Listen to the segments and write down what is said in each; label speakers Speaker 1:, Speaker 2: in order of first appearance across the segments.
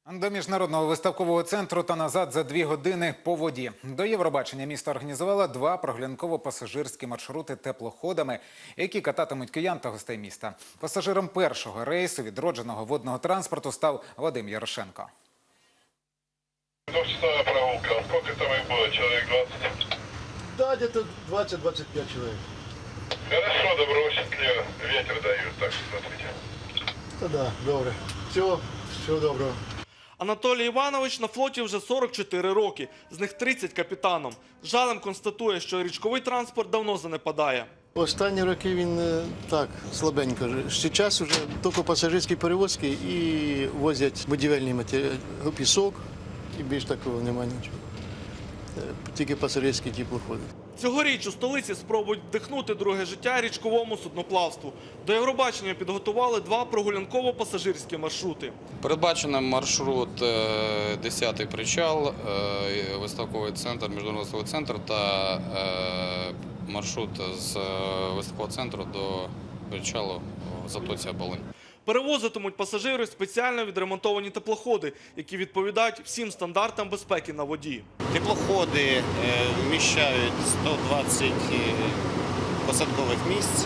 Speaker 1: До міжнародного виставкового центру та назад за 2 години по воді. До Євробачення місто організувало 2 прогулянково-пасажирські маршрути теплоходами, які кататимуть киян та гостей міста. Пасажиром першого рейсу відродженого водного транспорту став Вадим Ярошенко.
Speaker 2: Двухчасовая прогулка. Сколько там их было? Человек 20?
Speaker 3: Да, где-то 20-25 человек.
Speaker 2: Хорошо, добровольческий ветер дают, так что смотрите.
Speaker 3: Да, добре. Всього доброго.
Speaker 4: Анатолій Іванович на флоті вже 44 роки, з них 30 капітаном. З жалем констатує, що річковий транспорт давно занепадає.
Speaker 3: Останні роки він так, слабенько. Зараз вже тільки пасажирські перевозки і возять будівельні матеріали, пісок, і більш такого немає нічого. Тільки пасажирські теплоходи.
Speaker 4: Цьогоріч у столиці спробують вдихнути друге життя річковому судноплавству. До Євробачення підготували 2 прогулянково-пасажирські маршрути.
Speaker 5: Передбачено маршрут 10-й причал, виставковий центр, міжнародний виставковий центр та маршрут з виставкового центру до причалу в затоці Оболонь.
Speaker 4: Перевозитимуть пасажирів спеціально відремонтовані теплоходи, які відповідають всім стандартам безпеки на воді.
Speaker 6: Теплоходи вміщають 120 посадкових місць.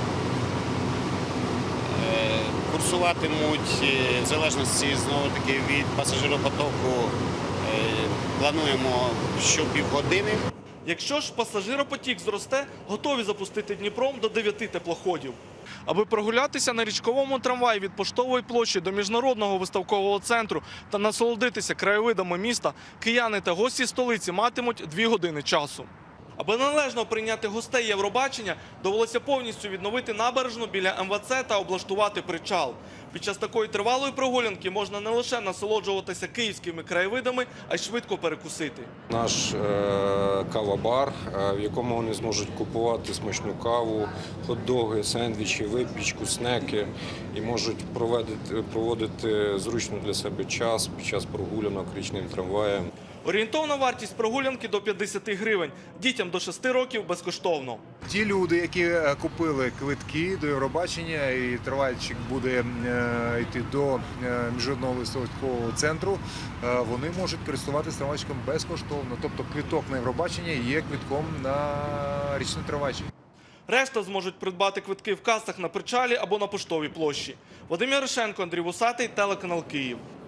Speaker 6: Курсуватимуть в залежності знову-таки від пасажиропотоку, плануємо щопівгодини.
Speaker 4: Якщо ж пасажиропотік зросте, готові запустити Дніпром до 9 теплоходів. Аби прогулятися на річковому трамваї від Поштової площі до міжнародного виставкового центру та насолодитися краєвидами міста, кияни та гості столиці матимуть 2 години часу. Аби належно прийняти гостей Євробачення, довелося повністю відновити набережну біля МВЦ та облаштувати причал. Під час такої тривалої прогулянки можна не лише насолоджуватися київськими краєвидами, а й швидко перекусити.
Speaker 7: Наш кава-бар, в якому вони зможуть купувати смачну каву, хот-доги, сендвічі, випічку, снеки і можуть проводити зручно для себе час під час прогулянок річним трамваєм.
Speaker 4: Орієнтовна вартість прогулянки до 50 гривень, дітям до 6 років безкоштовно.
Speaker 8: Ті люди, які купили квитки до Євробачення і трамвайчик буде йти до міжнародного виставкового центру, вони можуть користуватися трамвайчиком безкоштовно. Тобто квиток на Євробачення є квитком на річний трамвайчик.
Speaker 4: Решта зможуть придбати квитки в касах на причалі або на Поштовій площі. Вадим Ярошенко, Андрій Вусатий, телеканал Київ.